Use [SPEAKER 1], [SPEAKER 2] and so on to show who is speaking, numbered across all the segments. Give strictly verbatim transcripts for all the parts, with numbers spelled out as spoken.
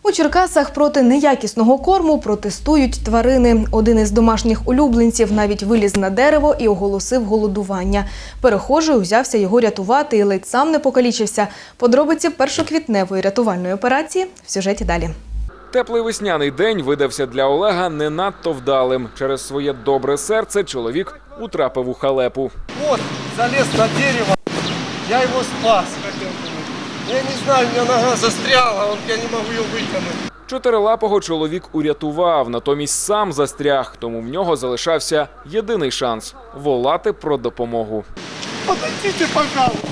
[SPEAKER 1] У Черкасах проти неякісного корму протестують тварини. Один із домашніх улюбленців навіть виліз на дерево і оголосив голодування. Перехожий узявся його рятувати і ледь сам не покалічився. Подробиці першоквітневої рятувальної операції в сюжеті далі.
[SPEAKER 2] Теплий весняний день видався для Олега не надто вдалим. Через своє добре серце чоловік утрапив у халепу.
[SPEAKER 3] От, заліз на дерево, я його спас. Я не знаю, у мене нога застряла, я не можу її витягнути.
[SPEAKER 2] Чотирилапого чоловік урятував, натомість сам застряг, тому в нього залишався єдиний шанс – волати про допомогу.
[SPEAKER 3] Подойдите, пожалуйста.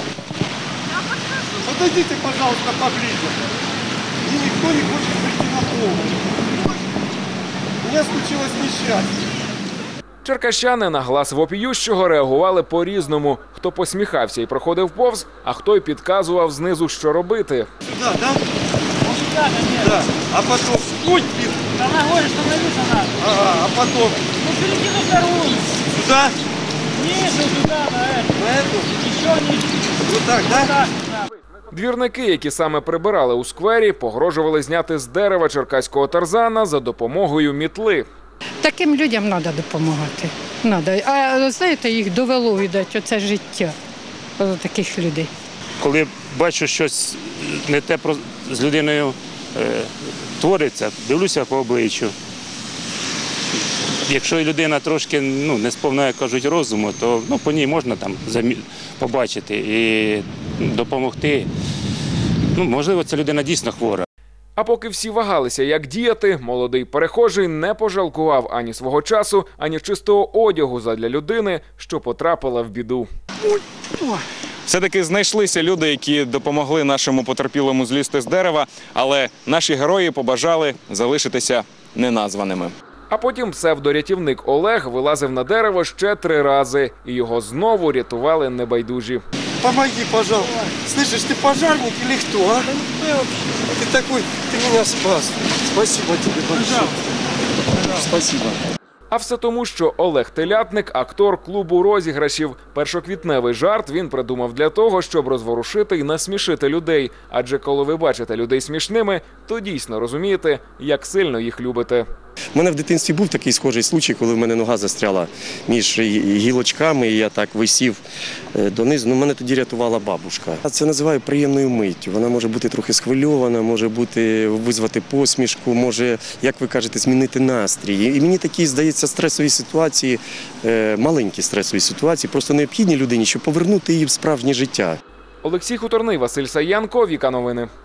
[SPEAKER 3] Подойдите, пожалуйста, поближе. И никто не хочет прийти на помощь. У меня случилось несчастье.
[SPEAKER 2] Черкащани на глас вопіющого реагували по-різному. Хто посміхався і проходив повз, а хто й підказував знизу, що робити.
[SPEAKER 3] Сюда, да? Ну, сюда, конечно. Да. А потом, путь, блин.
[SPEAKER 4] Да ногой становиться надо.
[SPEAKER 3] Ага, а потом?
[SPEAKER 4] Ну, середину вторую.
[SPEAKER 3] Сюда?
[SPEAKER 4] Ниже, туда, на эту.
[SPEAKER 3] На эту?
[SPEAKER 4] Еще ниже.
[SPEAKER 3] Вот так, да?
[SPEAKER 4] Вот так, да.
[SPEAKER 2] Двірники, які саме прибирали у сквері, погрожували зняти з дерева черкаського тарзана за допомогою мітли.
[SPEAKER 5] Таким людям треба допомагати. Надо. А знаєте, їх довело, видать, оце життя таких людей.
[SPEAKER 6] Коли бачу, щось не те з людиною е, твориться, дивлюся по обличчю. Якщо людина трошки ну, не сповна, як кажуть, розуму, то ну, по ній можна там побачити і допомогти. Ну, можливо, ця людина дійсно хвора.
[SPEAKER 2] А поки всі вагалися, як діяти, молодий перехожий не пожалкував ані свого часу, ані чистого одягу задля людини, що потрапила в біду.
[SPEAKER 7] Все-таки знайшлися люди, які допомогли нашому потерпілому злізти з дерева, але наші герої побажали залишитися неназваними.
[SPEAKER 2] А потім псевдорятівник Олег вилазив на дерево ще три рази, і його знову рятували небайдужі.
[SPEAKER 3] Помоги, пожалуйста. Слышишь, ты пожарник или кто, а? Ты такой, ты меня спас. Спасибо тебе большое. Спасибо.
[SPEAKER 2] А все тому, що Олег Телятник – актор клубу розіграшів. Першоквітневий жарт він придумав для того, щоб розворушити і насмішити людей. Адже коли ви бачите людей смішними, то дійсно розумієте, як сильно їх любите.
[SPEAKER 8] У мене в дитинстві був такий схожий случай, коли в мене нога застряла між гілочками, і я так висів донизу. Ну, мене тоді рятувала бабушка. Це називаю приємною миттю. Вона може бути трохи схвильована, може бути, визвати посмішку, може, як ви кажете, змінити настрій. І мені такі, здається, стресові ситуації, маленькі стресові ситуації, просто необхідні людині, щоб повернути її в справжнє життя.
[SPEAKER 2] Олексій Хуторний, Василь Саянко, Віка Новини.